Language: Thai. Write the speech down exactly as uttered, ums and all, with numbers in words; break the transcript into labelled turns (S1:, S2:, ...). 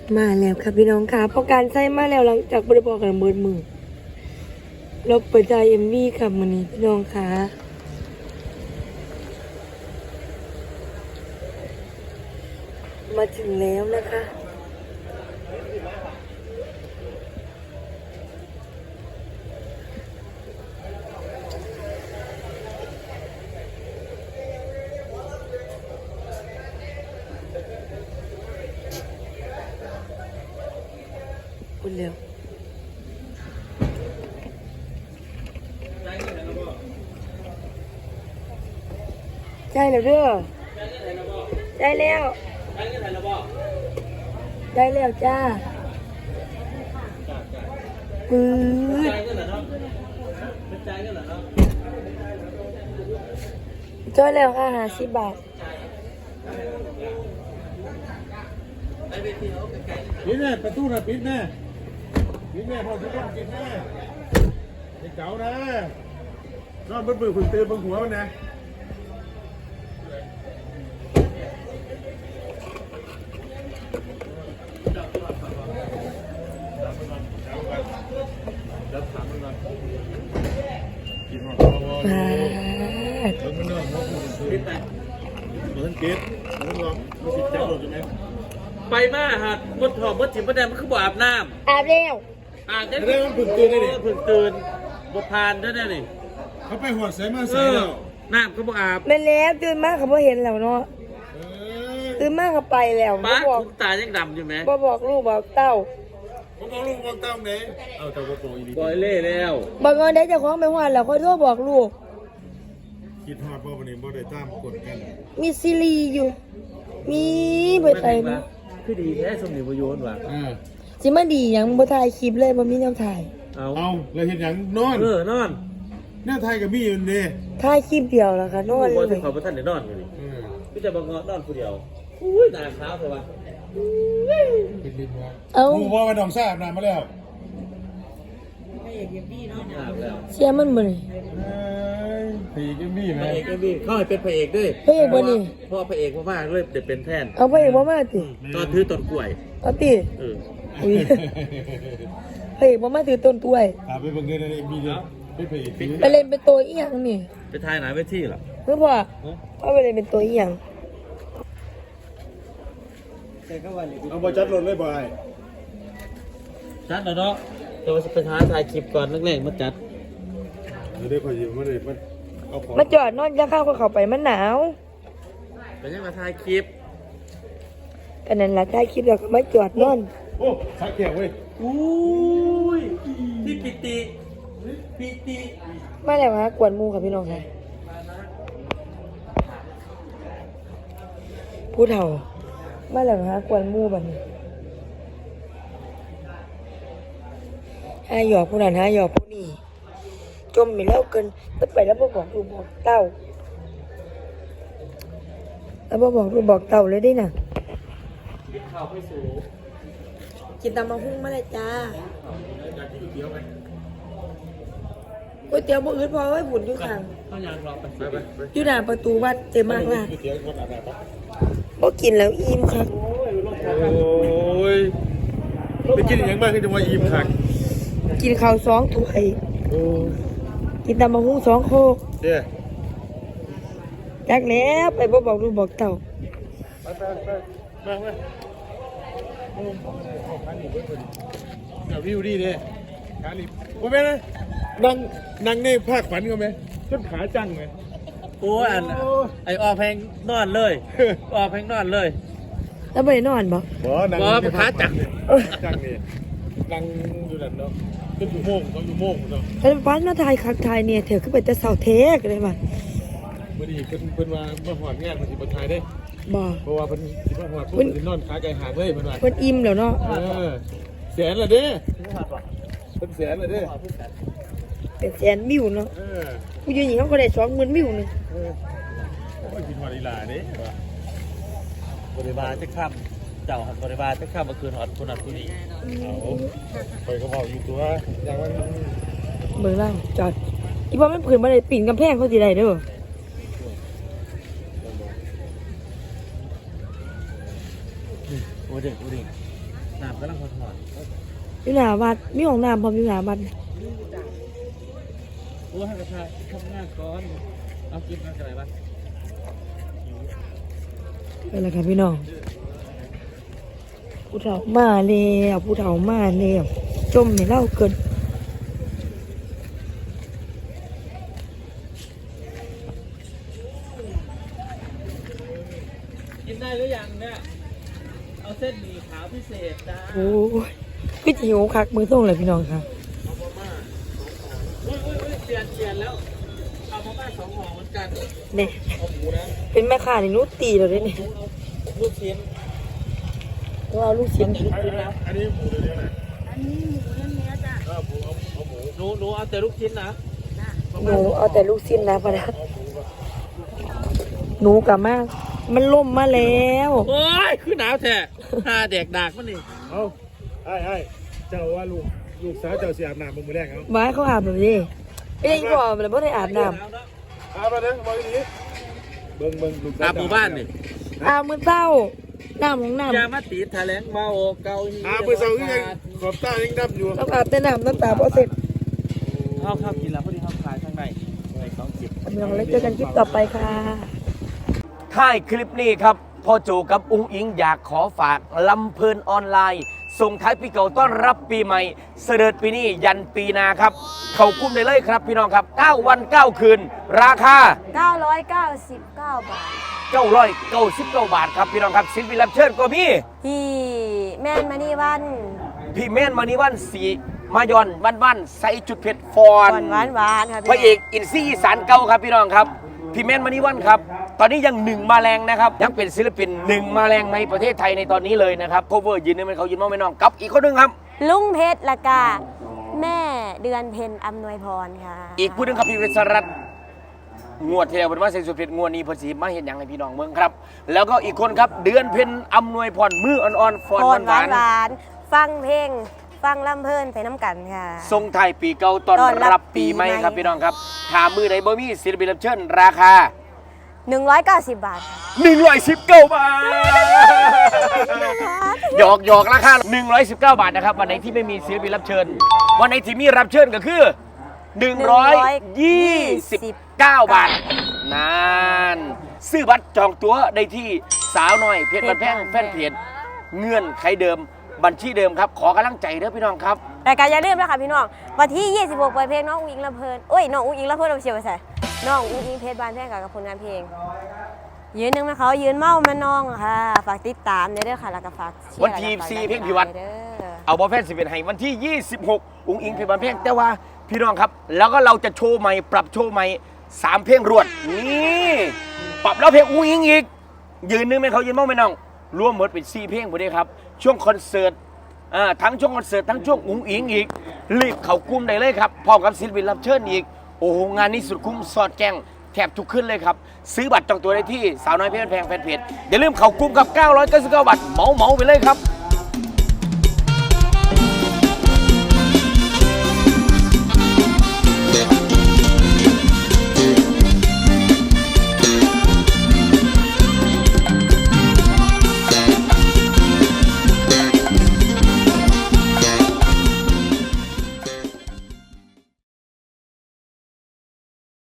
S1: มาแล้วค่ะพี่น้องค่ะพอการใช้มาแล้วหลังจากบริบอกกันเบิดมือเราเปิดใจเอ็มวีค่ะมื้อนี้พี่น้องค่ะมาถึงแล้วนะคะพูดเร็วใช่แล้วเด้อได้แล้วได้แล้วจ้าปื๊ดจ้อยแล้วค่ะห้าสิบบาท
S2: ปิดแน่ประตูนะปิดแน่ปิดแน่พอทุกคนปิดแน่ไอ้เก๋านะนอนบนปืนขุนเตือนบนหัวมันนะแล้วถามมันก่อนกินหอมพอพอแล้วมันนอนหัวขุนเตือนปิดแต่เหมือนปิดเหมือนลองไม่สิจับหลดใช่ไหม
S3: ไปมาฮะมดหอมมดถิ่มมดแดงมันคือบ่อาบน้ำ
S1: อาบแล้ว
S3: อาบได้
S2: ได้มันผึ่งตื่นได้ดิ
S3: ผึ่งตื่นบ่พานได้ได้นี่
S2: เขาไปหัวใส่มาใส่แล้ว
S3: น้ำก็บ่อาบ
S1: แม่แล้วตื่นมากเขาบ่เห็นแล้วเนาะตื่นมากเขาไปแล้วบ่
S3: ป้า
S1: บอก
S3: คุณตายังดำอยู่ไหม
S1: บ่บอกลูกบอกเต้า
S2: ผมบอกลูกบอกเต้าไหนเอาแต่ว่าโตอีลี
S3: ปล่อยเล่แล้ว
S1: บอกว่าได้เจ้าของไปหวานแล้วค่อยโทรบอกลูก
S2: คิดฮอดบ่วันนี้บ่ได้ตามกดกัน
S1: มีซีรีส์อยู่มีเบิดไปมั้ย
S3: คือดีแท้สมนิวโยนว่ะ
S2: อ่า
S1: สิมาดีหยังบ่ถ่ายคลิปเลยบ่มีแนวถ่าย
S3: เอา
S2: เอาแล้วเห็นหยังนอน
S3: เออนอน
S2: แน่ไทยกับมี่อยู่นี่
S1: ถ่ายคลิปเดียวแล้วค่ะนอนเล
S3: บ่ถึ
S1: ย
S3: งขอบ่ทันได้นอนอยู่นี่
S2: อืม
S3: พี่จะบ่งอนอนผู้เดียวอุ้ยหน้าขาวเลยว่ะ
S2: เป็นลิ้นว่า
S1: เอ้า
S2: หมู่บ่ว่าน้องทราบนานมาแล้ว
S3: อาบแล้ว
S1: เสียมันบ่นี่
S2: เอ้ยผีกับมี่
S3: พ
S2: แม่
S3: ระเอกก็มีเข้าให้เป็นพระเอกด้วย
S1: พระเอกบ่นี่
S3: พ่อพระเอกมากๆเลยเดี๋ยวเป็นแทน
S1: เอาพระเอกบ่มาติ
S3: ตอนถือต้นกล้วย
S1: เอาติ
S3: เออ
S1: อุ้ยพระเอกบ่มาถือต้นกล้วย
S2: ถามไปเบิ่งเด้อในมีเด้อเป็นผีผี
S1: ไปเล่นเป็นตัวอีหยังนี่
S3: ไปถ่ายหนาเวทีเหรอ
S1: เพิ่นว่าเอาไปเล่นเป็นตัวอีหยัง
S2: เอาบ่จัดรถเลยบ่ไอ้
S3: จัดแล้วเนาะเดี๋ยวไปถ่ายถ่ายคลิปก่อนแรกๆมาจัด
S2: เดี๋ยวได้ขอยืมมาเลยมันเอาของ
S1: มาจอดนอนจะเข้าก็เข้าไปมันหนาว
S3: ไปยังมาถ่ายคลิป
S1: กันนั้นล่ะถ่ายคลิปแล้วก็มาจอดนอน
S2: โอ้ชักแขกเว้ย
S3: อุ้ยพี่ปิติปิติ
S1: มาแล้วฮะกวนหมู่ค่ะพี่น้องค่ะผู้เฒ่ามาแล้วฮะกวนหมู่บัดนี้หาหยอกผู้นั้นหาหยอกผู้นี้จมไปแล้วเกินแล้วไปแล้วบ่บอกลูกบอกเต้าแล้วบ่บอกลูกบอกเต้าเลยได้น่ะ
S3: กินข้าวไปสู่
S1: กินตำมะฮุ่งมาเลยจ้า
S2: อยากกินก๋วยเตี๋ยวไหม
S1: ก๋วยเตี๋ยวบ่อื่นพอไว้บุญอยู่ข้าง
S3: ข้าวยางรอไป
S2: ไปไปไป
S1: อยู่หน้าประตูวัดเต็มมากล่ะ
S2: ก๋วยเตี๋ยวคนอาบน้ำปะ
S1: บ่กินแล้วอิ่มครับ
S2: โอ้ยไปกินอย่างมากก็จะว่าอิ่มคัก
S1: กินข้าวสองถ้วย
S2: โอ้
S1: กินตำมะฮุ่งสองโคก
S2: เด้อ
S1: จักแล้วไปบ่บอกลูกบอกเต้า
S2: ไปไปไปมามาโอ้เดี๋ยววิวดีเด้ขาลิบว่าแม่นะนั่งนั่งในภาคฝันก็ไหมจนขาจังไหม
S3: โอ้ยอันไอออกเพลงนอนเลยออกเพลงนอนเลย
S1: แล้วบ่ได้นอนบ่
S2: บ่นั่ง
S3: บ่ไปขาจัง
S2: จังนี่นั่งอยู่นั่นเนาะเป็นอยู่โมงต้องอยู่โมงเนาะ
S1: แล้วฟ้ามาถ่ายคักถ่ายเนี่ยเถอะคือไปแต่เสาเทกเลยว่ะ
S2: มื่อนี้เพิ่นเพิ่นว่ามาหอดงานมันสิบ่ทายได้
S1: บ่
S2: เพราะว่าเพิ่นสิมาหอดเพิ่นสินอนขาไก่หางเลยเพิ่นว่า
S1: เพิ่นอิ่มแล้วเนาะ
S2: เออแสนละเด้เพิ่นแสนละเด้
S1: เป็นแสนวิวเนาะ
S2: เออ
S1: ผู้หญิงเขาก็ได้สองหมื่นวิวนึง
S2: เออโอ้ยกินหอดอีหลาเด้
S3: บริบาลจะข้ามเจ้าหันบริบาลจะข้ามมาคืนหอดคนนั้นคนนี้
S2: เอาไปก็บอกอยู่ตัวอย่างว่า
S1: เบิ่งล่างจอดอีบ่มันผืนบ่ได้ปีนกำแพงเขาสิได้เด้อ
S3: โอ้เด็กโอ้เด็กน้ำกำลังหอด
S1: อยู่หน้าวัดมีห้องน้ำพร้อมอยู่หน้าวัด
S3: ๆโอ้ให้กระชายทำงานก่อนเอากินกันอะไรบ้าง
S1: ไปแล้วค่ะพี่น้องผู้เฒ่ามาแล้วผู้เฒ่ามาแล้วจมให้เล่าเกิน
S3: กินได้หรือยังเนี่ยเอาเส้นหมี่ขาวพิเศษจ้า
S1: โอ้ยพี่จิ๋วคักมือส่งเลยพี่น้องค่ะ
S3: อุ้ยอุ้ยอุ้ยเปลี่ยนเปลี่ยนแล้วเอามาม่าสองห่อเหมือนกัน
S1: เนี่ย
S3: เอาหมูนะ
S1: เป็นแม่ค้าในนู้ตีเราด้วยเนี่ย
S3: เอาลูกชิ้น
S1: ก็เอาลูกชิ้น
S2: อันนี้อันนี้หมูเนื้อไหน
S4: อันนี้หมูเนื้อจ้ะ
S2: เออหมูเอาเอาหมู
S3: หนูหนูเอาแต่ลูกชิ้นนะ
S1: หนูเอาแต่ลูกชิ้นนะพะนะหนูกลับมามันล่มมาแล้ว
S3: โอ้ยคือหนาวแท้หาแดกดากมันนี่
S2: เอาไอ้ไอ้เจ้าว่าลูกลูกสาวเจ้าเสียอาบน้ำมึงมือแรกเอา
S1: บ้านเขาอาบแบบนี้ไอ้ยังบอกมันไม่ได้อาบน้
S2: อาบมาเด้อมาดีเบิ่งเบิ่งลูก
S3: อาหมู่บ้านนี่
S1: ำอาบมือเต้าน้ำของน้
S3: ยามาตีแถลงเมาเกา
S2: อาบมือเสาที่ยังขอบตายังดำอยู่
S1: ำต้องอาบแต่น้ำน้ำตาพอเสร็จ
S3: ข้าวข้าวกินแล้วพอดีข้าวขายข้างในในสองจิบ
S1: กำลังเล็กเจอกันคลิปต่อไปค่ะ
S5: ท้ายคลิปนี้ครับพ่อโจกับอุ้งอิงอยากขอฝากลำเพลินออนไลน์ ส่งท้ายปีเก่าต้อนรับปีใหม่ เสด็จปีนี้ยันปีหนาครับ เข้ากุ้มได้เลยครับพี่น้องครับเก้าวันเก้าคืน ราคา
S4: เก้าร้อยเก้าสิบเก้าบาท
S5: เก้าร้อยเก้าสิบเก้าบาทครับพี่น้องครับศิลปินรับเชิญก็มี
S4: พี่แม่นมานี่วัน
S5: พี่เมนมานิวันสีมายอนวันวันใส่จุดเผ็ดฟอ
S4: ห
S5: น
S4: วานหวานๆค่ะ
S5: พระเอกอินซี่อีสานเก่าครับพี่น้องครับพี่เมนมานิวันครับตอนนี้ยังหนึ่งมาแรงนะครับยังเป็นศิลปินหนึ่งมาแรงในประเทศไทยในตอนนี้เลยนะครับโคเวอร์ยืนนี่มันเขายืนมองไม่น้องกับอีกคนหนึงครับ
S4: ลุงเพชรละกาแม่เดือนเพ็ญอำนวยพรค่ะ
S5: อีกผู้หนึงครับพี่วิศรัตน์งวดที่แล้วเป็นว่าเซนสุดเพชรงวดนี้เพอสีมาเห็นอย่างให้พี่น้องเมืองครับ แล้วก็อีกคนครับเดือนเพ็ญอำนวยพรมืออ่อนๆฟอน
S4: พ
S5: ห
S4: รหวาว
S5: าน น
S4: หวานๆฟังเพลง ฟังลำเพลินไปน้ำกันค่ะ
S5: ๆทรงไทายปีเก่าตอน
S4: ต้อนรับ
S5: รับปีใหม่
S4: ปีใหม่
S5: ครับพี่น้องครับถามมือไหนบ่มีศิลปินรับเชิญราคา
S4: หนึ่งร้อยเก้าสิบบาทค่ะ
S5: หนึ่งร้อยสิบเก้าบาทหยอกหยอกราคาหนึ่งร้อยสิบเก้าบาทนะครับวันไหนที่ไม่มีศิลปินรับเชิญ วันไหนที่มีรับเชิญก็คือหนึ่งร้อยยี่สิบเก้าบาทนานซื้อบัตรจองตั๋วได้ที่สาวน้อยเพจบันแพงแฟนเพจเงื่อนไขเดิมบัญชีเดิมครับขอกำลังใจเด้อพี่น้องครับ
S4: รายการอย่าลืมนะคะพี่น้องวันที่ยี่สิบหกเปิดเพลงน้องอุ้งอิงลำเพลินเอ้ยน้องอุ้งอิงลำเพลินเราเชียร์ไปใส่น้องอุ้งอิงเพชรบานแพงกับผลงานเพลง ยืนหนึ่งนะเขายืนเมามาน้องค่ะฝากติดตามเด้อค่ะแล้วก็ฝากเชียร์
S5: วันที่
S4: แล้วก็ฝาก
S5: สี่
S4: ดัน
S5: เพลงพิวัตร
S4: เด้อ
S5: เอาบอลแฟนสิบเอ็ดให้วันที่ยี่สิบหกอุ้งอิงเพลงบันเพลงแต่ว่าพี่น้องครับ แล้วก็เราจะโชว์ใหม่ปรับโชว์ใหม่สามเพลงรวดนี่ปรับแล้วเพลงอุ้งอิงอีกยืนนึงไหมเขายืนมั่งไหมน้องรวมหมดเป็นสี่เพลงหมดเลยครับช่วงคอนเสิร์ตอ่าทั้งช่วงคอนเสิร์ตทั้งช่วงอุ้งอิงอีกรีบเข้ากลุ่มได้เลยครับพร้อมกับศิลปินรับเชิญอีกโอ้โหงานนี้สุดคุ้มสอดแกงแทบทุกขึ้นเลยครับซื้อบัตรจองตัวได้ที่สาวน้อยเพชรแพงแฟนเพจอย่าลืมเข้ากลุ่มกับเก้าร้อยเก้าสิบเก้าบาทเหมาเหมาไปเลยครับ